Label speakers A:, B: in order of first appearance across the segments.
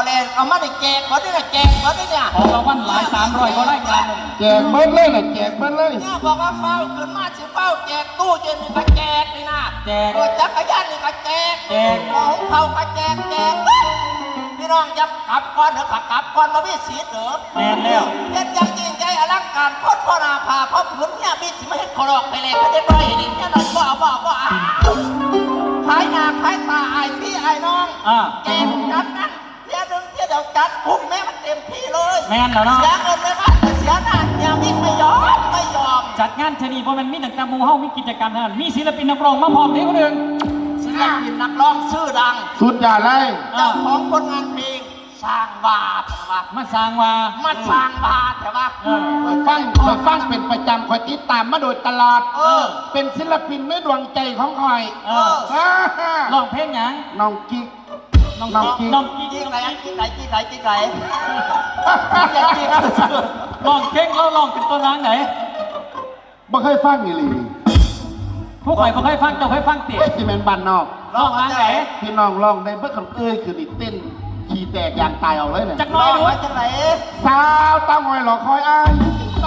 A: เลยเอามาได้แจกบ่ได้แจกบ่ได้เนี่ย
B: ของรางวัลหลาย300ก็ได้งาน
C: แจกเบิ้ลเลยแจกเบิ้ลเลย
A: เนี่ยบอกว่าเฝ้าขึ้นมาสิเฝ้าแจกตู้เย็นนี่ก็แจกนี่นะ
B: แจก
A: จักรยานนี่ก็แจก
B: แจก
A: ของเขาก็แจกพี่น้องยับกลับก่อนเถอะกลับก่อนมาพี่สีเถอะ
B: แม่นแล้ว
A: เห็นยังจริงใจอลังการพดพ่อนาภาพ่อขุนเนี่ยมีสิไม่เห็นขอรอกไปเลยเขาจะด้อยดิเนี่ยนั่นบ่เอาขายหน้าขายตาไอ้พี่ไอ้น้องแจกจัดนั้นเที่ยวนึงเที่ยวเดียวจัดคุ้มแม่มันเต็มที่เลย
B: แม่นแล้วเนาะ
A: เสียเงินเลยว่าเสียหน้าเนี่ยมิไม่ยอม
B: จัดงานชนีเพราะมันมีตั้งแต่หมู่เฮามีกิจกรรมเท่านั้นมีศิลปินนักร้องมาพร้อมเด็กคนหนึ่ง
A: ศิลปินนักร้องชื่อดัง
C: สุดยอดเลย
A: เจ้าของผลงานเพลงสร้างบาปแต่ว่า
B: มาสร้างว่า
A: มาสร้างบาปแต่ว่า
C: คอยฟังเป็นประจำคอยติดตามมาโดยตลอดเป็นศิลปินในดวงใจของคอย
B: ร้องเพลงหยัง
C: น้องกิ๊ก
B: น้อง
C: น้อง
B: กิ๊ก
C: กิ๊ก
B: น้องกิ๊ก
A: ที่ไหนที่ไหนที่ไหนที่ไหน
B: ร้องเพลงเราร้องเป็นตัวร้างไหน
C: บ่เคยฟังอีหลี
B: ผู้ข่อยบ่เคยฟังเจ้าเคยฟังติ
C: เฮ้ยที่แม่นบ้านนอก
B: ร้องร้างไหน
C: พี่น้องร้องได้เบิ่งคำคือนี่เต้นขี้แตกยางตายเอาเลยเนี่ย
B: จักน้อยดู
A: มาจากไหน
C: สาวเต้าหอยหลอกคอยอ้ายต้อง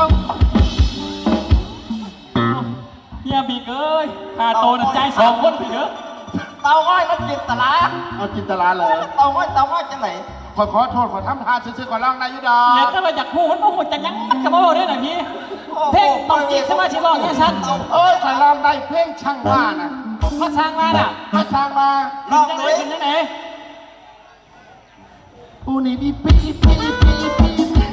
B: เฮียบีเอ้ยหาโตน่ะใจ2คนพี่เด้อ
A: เตาง้อยมันจินตลา
C: เอาจินตลาเลย
A: เตาง้อยจากไหน
C: ขอโทษขอทำทานซื้อๆก่อนร้องได้อยู่ดอ
B: เดี๋ยว
C: ก
B: ถ้าเราอยากฮู้มันบ่ฮู้จักหยังก็บ่ได้น่ะพี่เพลงต้องกิ๊กสมาชิกร้องแค่ชั้น
C: เอ้ยคอยร้องได้เพลงช่างว่านะ
B: มาสร้างมาน่ะ
C: มาสร้างมา
A: ลอง
B: จัง
A: ดู
B: ได๋ขึ้นจังได๋
C: อูนี่ปีปี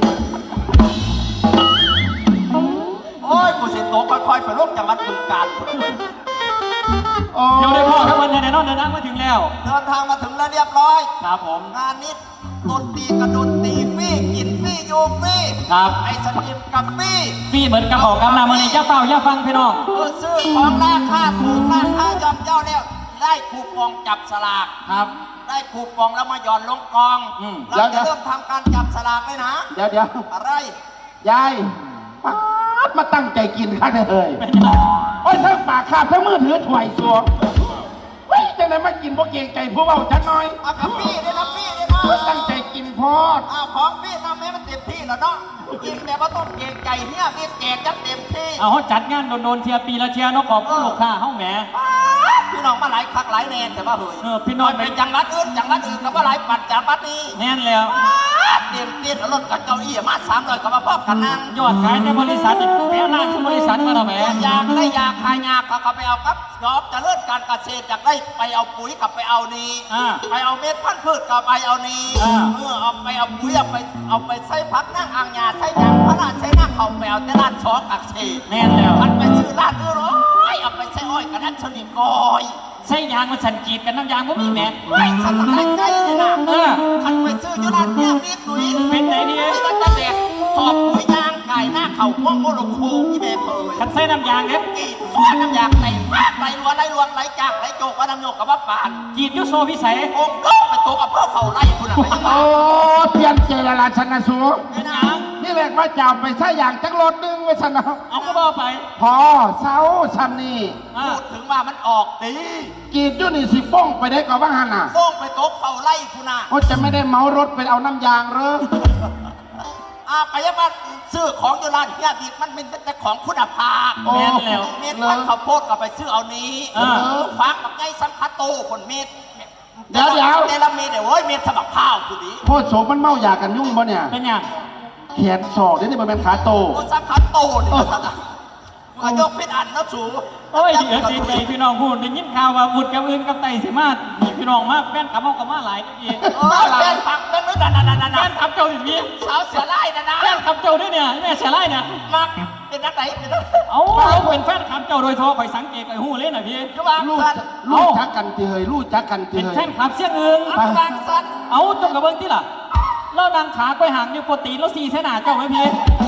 A: โอ้ยกูสิโตค่อยๆไปร่วมจังหวัดบึงกาฬ
C: โอ้
B: เดี๋ยวได้พ่อครับวันแน่นอนเดินทางมาถึงแล้ว
A: เดินทางมาถึงแล้วเรียบร้อย
B: ครับผม
A: งานนี้ดนตรีกับดนตรีฟรีกินฟรีอยู่ฟรี
B: ครับ
A: ไอ้สนิมกับฟรี
B: พี่เหมือนกับบอกกำลังมันนี่อย่าเฝ้าอย่าฟังพี่น้อง
A: ซื้อของราคาถูกราคาย่อมเย่าแล้วได้คูปองจับสลาก
B: ครับ
A: ได้คูปองแล้วมาหย่อนลงกอง เราจะเริ่มทำการจับสลากเลยนะ
C: เดี๋ยว
A: อะไร
C: ยายป๊าดมาตั้งใจกินข้างเลย
B: เป็นยังไง
C: โอ้ยทั้งปากคาบทั้งมือถือถ่วยสัวเฮ้ยจังไหนมากินพวกเกรงใจผู้เบาจังหน่อย
A: เอากับฟรีเลยนะฟรีเลยนะ
C: ตั้งใจกินพอด
A: เอาของฟรีทำให้มันเต็มที่แล้วเนาะกินแต่ว่าต้องเกรงใจเนี่ยมีแจกจัดเต็มที่
B: เอาเขาจัดงานโดนๆเทียปีละเทียเนาะขอบคุณลูกค้าเฮาแหม
A: พี่น้องมาหลายคักหลายแนนแต่ว่าเฮ้ย
B: พี่น้อง
A: เป็นจังหวัดอื่นก็ว่าหลายปัดจากปัดนี้
B: แน่นแล้ว
A: เตรียมเตี้ยรถกับเก้าอี้มา300กับมาพร้อมกันนั่ง
B: ยอดขายในบริษัทอีกแถวหน้าที่บริษัทมาแล้วแหม
A: อยากได้ยาคายาเขาไปเอาครับยอบจะเลิศการเกษตรอยากได้ไปเอาปุ๋ยกับไปเอานี้ไปเอาเม็ดพันธุ์พืชกับไปเอานี้เมื่อเอาไปเอาปุ๋ยเอาไปใส่พักนั่งอ่างยาใส่ยางพระราชใส่นั่งเขาไปเอาแต่ร้านช้อกักเศษ
B: แน่นแล้ว
A: มันไปซื้อร้านอื่นเอาไปใส่อ้อยกับนั่นชนิดก้อย
B: ใส่ยางมันสันกีดกันน้ำยางบ่มีแหม
A: ไม่สนใจใจเลยนะมันไปซื้ออยู่ร้านเนี่ยมีปุ๋ย
B: เป็นไงดี
A: มันจะแดกสอบปุ๋ยยางไก่หน้าเข่าม่วงโมโลโคที่แม่เคย
B: คันใส่น้ำยางเนี่ย
A: กีดสวนน้ำยางไหลมากไหลรัวไหลรวงไหลจากไหลโจกว่าน้ำโยกกับว่าปาน
B: กีดอยุโซพิสัย
A: องค์โลกไปโตกับเพื่อเผาไล่คุณอะไปยังไง
C: โอ้เปลี่ยนเจรลาชนะสู
A: ไม่นะ
C: นี่แหละว่าจะเอาไปใช้อย่างจักรถนึงไว้สนะ
B: เอาก็บอกไป
C: พอเสาชันนี่
A: พูดถึงว่ามันออกดี
C: กีดอยู่นี่สิฟ้องไปได้ก่อนว่าหันน่ะ
A: โป้งไปโตเผาไล่คุณอะ
C: โอ้จะไม่ได้เมารถไปเอาน้ำยางเหรอ
A: ไปยังว่าซื้อของอยู่ร้านเนี่ยดีมันเป็นแต่ของคุณภาพ
B: แม่นแล้ว
A: เม็ดพันธุ์ข้าวโพดก็ไปซื้อเอานี้ฟักกับไงสังคัตโตคนเม็ดเดลเม็ดเดี๋ยวเม็ดสมัครข้าวคุณดิ
C: โคตรโสมมันเมาอยากกันยุ่งบ่เนี่ย
B: เป็นยัง
C: แขนศอกนี่มันเป็นขาโต
A: โอ้สังคัตโตนี่สังก็ยกเป็นอันนะสู
B: โอ้ยเดี๋ยวจริงใจพี่น้องพูดได้ยินข่าวว่าบุดกับอื่นกับไตสิมานี่พี่น้องมาแฟนขับเอากับมาหลายที
A: แฟนผักเป็นมือดัน
B: แฟนขับเจ้าอีกที
A: สาวเสือไล่นะ
B: แฟนขับเจ้าด้วยเนี่ยแม่เสียไล่เนี่ย
A: มักเป็นนักไหนเป็นนัก
B: เอาเราเป็นแฟนขับเจ้าโดยทั่วคอยสังเกตไอ้หูเล่นหน่อยพี่
A: ระวัง
C: ลูก
A: สัน
C: ลูกจักกันทีเฮยลูกจักกันที
B: เป็น
C: เฮย
B: แฟนขับเสียงอื่น
A: ระวังสัน
B: เอาจงกับเบิ้งที่ล่ะแล้วนางขาก้อยหางนิ้วโปรตีนแล้วซีเสนาเจ้าไหมพี่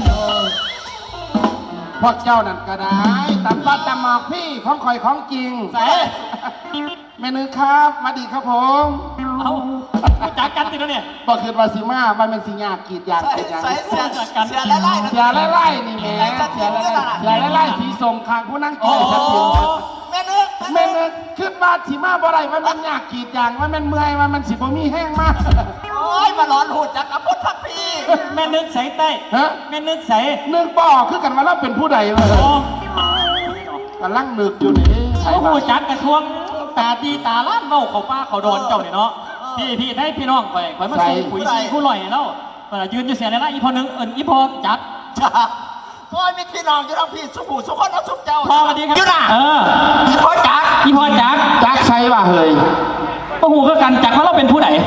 C: พวกเจ้านั่นก็ได้ตำบัดตำหมอกพี่ของคอยของจริง
B: ใส่
C: เมนูครับสวัสดีครับผม
B: เอาจากกันติดแล้วเนี่ย
C: ก็คือวาซิมามันเป็นสิญากีดยาง
A: ใส่
C: กีดยาง
A: ใส่เสือไล่
C: เสียไล่ๆนี่แหม่เสียไล่สีสมคางผู้นั่งกินชัดเจนครับ
A: แม่นึก
C: แม่เงินขึ้นมาสิมาบ่ได้มันยากกีดยางมันเมื่อยมันสิบ่มีแห้งมาก
A: โอ้ยมาหลจักกับพุทธพี
B: แม่นึกใส่ใต้
C: ฮะ
B: แม่นึกใส่
C: นึกบ่คือกันว่าเราเป็นผู้ใดวะ
B: โอ้
C: กำลังนึกอยู่นี่ใช่
B: โอ้โห
C: ปะ
B: จักกระทวงตาดีตาล้านเบ้าเขาป้าเขาโดนเจ้าเนี่ยเนาะพี่ให้พี่น้องข่อยมาส่งปุ๋ยซีผู้ลอยแล้วยืนอยู่เสียในละอีพอนึงอีพอจัด
A: จ้าพ่อมีพี่น้องอยู่ทั้งพี่สุขุสุขคนเอาสุขเจ้า
B: พอสวัสดีครับ
A: อยู่น่ะ
B: พี่
A: พ่อจัก
B: อีพอจัด
C: จักใช่ป่ะเฮ้ย
B: โอ้โหก็กันจักว่าเราเป็นผู้ใด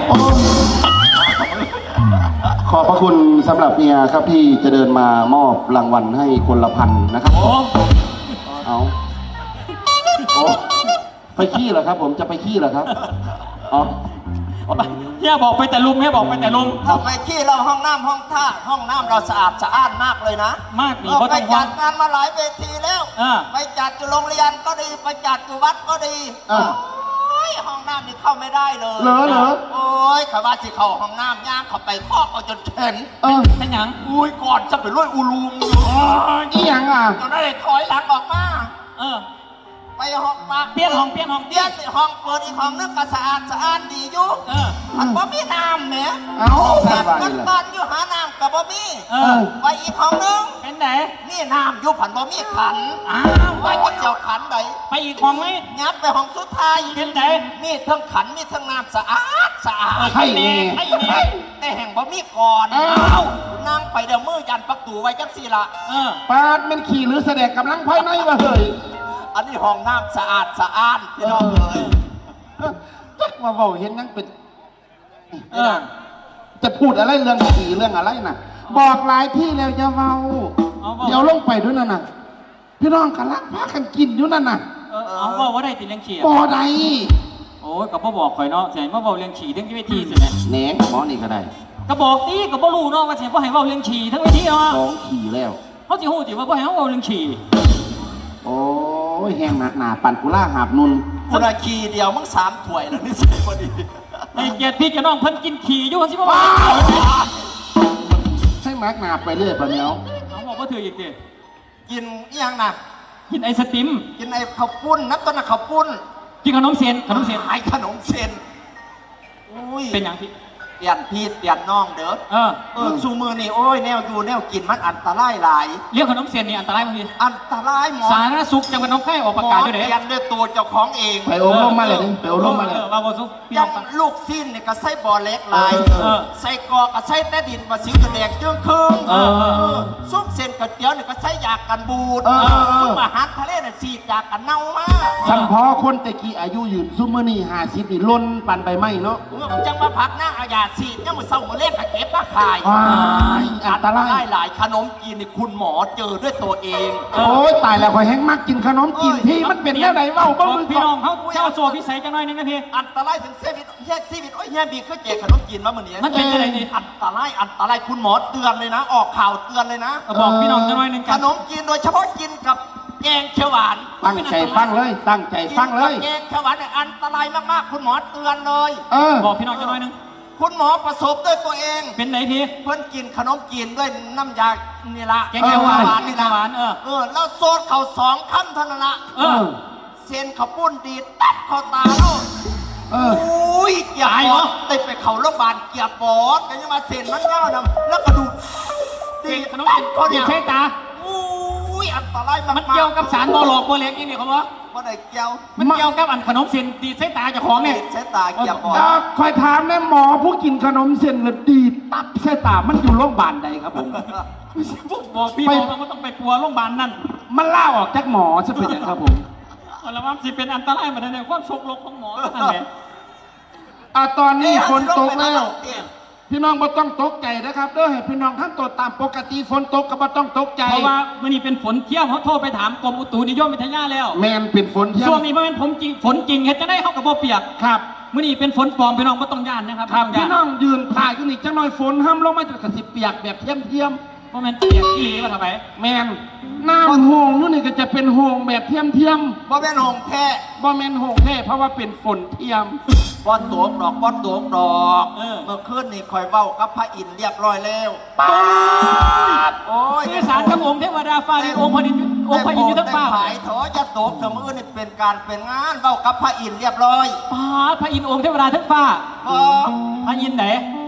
C: ขอบพระคุณสำหรับเมียครับที่จะเดินมามอบรางวัลให้คนละพันนะครับ
B: โอ้
C: เอาโอ้ไปขี้เหรอครับ ผมจะไปขี้เหรอครับอ๋อ
B: เฮียบอกไปแต่ลุมเฮียบอกไปแต่ลุม
A: เราไปขี้เราห้องน้ำห้องท่าห้องน้ำเราสะอาดสะอ้านมากเลยนะ
B: มากดี
A: เรา
B: เพราะ
A: ไป
B: ต้อง
A: จั
B: ว่า
A: ดงานมาหลายเวทีแล้ว ไปจัดอยู่โรงเรียนก็ดีไปจัดอยู่วัดก็ดี
C: อ่ะ
A: โอ้ยห้องน้ำนี่เข้าไม่ได้เลย
C: เหรอ
A: โอ้ยข้าว่าสิเข้าห้องน้ำย่างเข้าไปคอกเอาจนเข็น
B: เป็นหยัง
A: อุ้ยก่อนจะไปลุยอูลุงอยู่
C: อีหยังอ่ะ
A: จนได้ถอยหลังออกมา
B: เออ
A: ไปห้องปาก
B: เปลี่ยนห้อง
A: เปลี่ยนห้องเปิดอีกห้องนึงก็สะอาดสะอ้านดีอยู่
B: เออ
A: มันบ่มีน้ำแหม
C: เอ้า
A: แบ
C: ส
A: บ
C: บาย
A: มัน
C: เลย
A: บ้านอยู่หาน้ำกับบ่มี
B: เออ
A: ไปอีกห้องนึง
B: เป็นไหน
A: นี่น้ำอยู่ผันบ่มีขัน
B: อ้าว
A: ไปก็เจียวขันไหน
B: ไปอีกห้องไหม
A: งับไปห้องสุดท้าย
B: เป็นไหน
A: มีทั้งขันมีทั้งน้ำสะอาดสะอาด
C: ใช่แน่
B: ไอ้แน่
A: แต่แห่งบ่มีก่อน
C: เอ้า
A: นั่งไปเดี๋ยวมือยันประตูไว้จังสี่ละ
B: เออ
C: ปาดมันขี่หรือแสดงกำลังภายในวะเฮ้ย
A: อันนี้ห้องน้ำสะอาดสะอ้านพี่น้องเอ้ย
C: จักว่าเว้าเห็นยังเป็น
B: เออ
C: จะพูดอะไรเรื่องขี่เรื่องอะไรน่ะ บอกหลายที่แล้วจะเว้า
B: เอาเว้า
C: เดี๋ยวลงไปด้วยนั่นน่ะ พี่น้องกันลักพากันกินอยู่นั่นน่ะ
B: เอาว่าได้ติเลี้ยงฉี่
C: บ่ใด
B: โอ้ยกับพ่อบอกข่อยเนาะเสียมาบอกเลี้ยงฉี่ทั้งเวทีสิแม่
C: แหนงหมอนี่ก็ได้
B: ก็บอกตีก็บ่รู้เนาะว่าเสียพ่อให้เว้าเลี้ยงฉี่ทั้งเวทีเนาะ
C: ของขี่แล้ว
B: เขาสิฮู้สิว่าพ่อให้เว้าเลี้ยงฉี่
C: โอ้ยแห้งหนักหนาปั่นกุล่าหาบนุน
A: คนละคีเดียวมึง3 ถ้วยแล้วนี่ใส่พอดี
B: ในเกียรติพี่กับน้องเพิ่นกินขี่อยู่สิบ่
C: ว้า
B: ว่า
C: วให้หนักหนาไปเรื่อยปะเนี้ย
B: เอาบอกว่าถืออีกดิ
A: กินอิหยังนะ
B: กินไอศติม
A: กินไอ้ข้าวปุ้นนับต้นนะข้าวปุ้น
B: กินขนมเส้นขนมเส้น
A: ขายขนมเส้นอุ้ย
B: เป็นอย่างพี่
A: เปลี่ยนพี่เปลี่ยนน้องเด้อ ซูมือนี่โอ้ยแนวอยู่แนวกินมันอันตรายหลาย
B: เรื่องขนมเส้นนี่อันตรายบางที
A: อันตรายหมอ
B: สาธารณสุขจังหวัดหน้องคายออกประกาศด้วย
A: เป
B: เด้
A: ลี่ยนด้วยตัวเจ้าของเอง
C: ไปโอมมาเลยดิไปโอมมาเลย
B: ว่าบ่สุขพี่
A: ยั
B: น้อง งฟัง
A: ลูกสิ้นเนี่ยก็ใส่บ่อเล็กหลาย
B: เออ
A: ใส่กอกก็ใส่แต่ดินมาสิวกระแดกจึงครึ่ง
B: เออ
A: ซุปเส้นก๋วยเตี๋ยวเนี่ยก็ใส่ยากันบูด ซุปอาหารทะเลเนี่ยสีดยากันเน่ามาก
C: สัมพอคนแต่กี้อายุยืนซุมเมอนี่50นี่ล้นปันไปไหมเนาะ
A: จังมาพักนั่งเอายาสีดยังมือเศร้ามือเล่นกับเก็บมาขาย
C: ว้ายอันตราย
A: หลายขนมจีนนี่คุณหมอเจอด้วยตัวเอง
C: โอ้ยตายแล้วคอยแห้งมากกินขนมกินที่มันเป็นแนวไหนเว้าบ้างมึง
B: พี่น้องเขาเจ้าสัวพิสัยจังหน่อยนึงนะพี่
A: อันตรายถึงเซวิตแยกซีวิตโอ้ยแย่บีคือแจกขนมจีนมาเหมือนนี้
B: มันเป็นอะไรนี่
A: อันตรายคุณหมอเตือนเลยนะ ออกข่าวเตือนเลยนะ
B: บอกพี่น้องจังหน่อยนึง
A: ข
B: กัน
A: นมจีนโดยเฉพาะกินกับแกงเขียวหวาน
C: ตั้งใจฟังเลย ตั้งใจฟังเลย
A: กินกับแกงเขียวหวานเนี่ยอันตรายมากๆ คุณหมอเตือนเลย
C: เออ
B: บอกพี่น้องจังหน่อยนึง
A: คุณหมอประสบด้วยตัวเอง
B: เป็นไหนพี่
A: เพื่อนกินขนมจีนด้วยน้ำยานี่ละ
B: แกงเขียวหวาน
A: นี่ละ
B: หวาน
A: แล้วโซดเข่า2 คำเท่านั้นละ
B: เออ
A: เส้นข้าวปุ้นดีดตัดคอตาแล้ว
C: เออ
A: อุ้ยเกียบ
B: ตาย
A: ป
B: เหร
A: อ
B: อ
A: ดติดไปเขาโรงพยาบาลเกียบปอดกันยังมาเส้นมันเงานะแล้วก็ดูด
B: กินขนม
A: ตั
B: เส้
A: ด
B: น
A: เขา
B: กิ
A: เนี่
B: น
A: ย
B: ใช้ตา
A: อุ้ยอันตรายมาก
B: มันเกี่ยวกับสารบอหลอกบอเหล็กนี่นี่เขาบอก
A: บ่ได้เกี่ยว
B: มันเกี่ยวกับอันขนมเส้นตีใช้ตาเจ้าของเนี่ย
A: ใช้ตาเกียบปอด
C: คอยถามแม่หมอผู้กินขนมเส้นแล้วดีดตับใส่ตา มันอยู่โรงพยาบาลใดครับผม
B: บอกพี่บอกว่าต้องไปปัวโรงพยาบาลนั่น
C: มันล่าออกจากหมอจะเป็นอย่างครับผม
B: แล้วว่าสิเป็นอันตรายเหมือนในความโชคลกของหมอนั่นแหละ
C: ตอนนี้ฝนตกแล้ว
A: เอ๊ะ
C: พี่น้องบ่ต้องตกใจนะครับเด้อให้พี่น้องทั้งตัวตามปกติฝนตกก็บ่ต้องตกใจ
B: เพราะว่ามื่อนี้เป็นฝนเที่ยวเขาโทรไปถามกรมอุตุนิยมวิทยาแล้ว
C: แมนเป็นฝนเที่ย
B: ช่ว
C: ง
B: งนี้มันเป็นฝนจริงเห็นจะได้เข้ากับบ่เปียก
C: ครับ
B: มื่อนี้เป็นฝนปลอมพี่น้องไม่ต้องย่านนะครับ
C: ครับ
B: ไม่
C: พี่
B: ต้
C: น้
B: อ
C: อง งยืนตายอยู่นี่จังหน่อยฝนห้ามลงมาจะกระสิเปียกแบบเทียม
B: เพราะมันเปียกอีหลีมาทำไม
C: แมนน้ำโหงอยู่นี่ก็จะเป็นโหงแบบเทียม
A: บ่แม่นหงแท้
C: บ่แมนโหงแท้เพราะว่าเป็นฝนเทียม
A: ป้อนตัวดอกป้อนตัวดอกเมื่อคืนนี่คอยเว้ากับพระอินทร์เรียบร้อยแล้วโอ้ย
B: สื่อสารกับองค์เทวดาฟ้าดินองค์พระอินทร์องค์พระอินทร์อยู่ทั้งฟ้า
A: ได้ผายถอจะตกเถอะมื้อนี่เป็นการเป็นงานเว้ากับพระอินทร์เรียบร้อย
B: พระอินทร์องค์เทวดาทั้งฟ้า
A: พอ
B: พระอินทร์ไหน
A: พ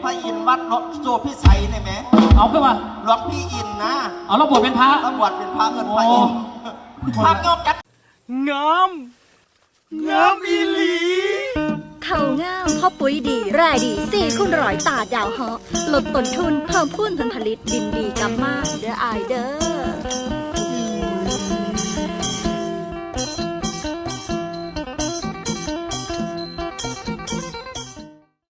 A: พระอินทร์วัดโซพิสัยเนี่ยไหม
B: เอาขึ้นมา
A: หลวงพี่อินทร์นะ
B: เอาเราบวชเป็นพระ
A: ตำรวจเป็นพระเงินพระอินทร์พระโยกกัน
D: งามอีหลี
E: เขาง่ามพ่อปุ๋ยดีแร่ดี4x100ตาดาวเหาะลดต้นทุนเพิ่มพูนผลผลิตดินดีกำมากเด้ออายเด้อ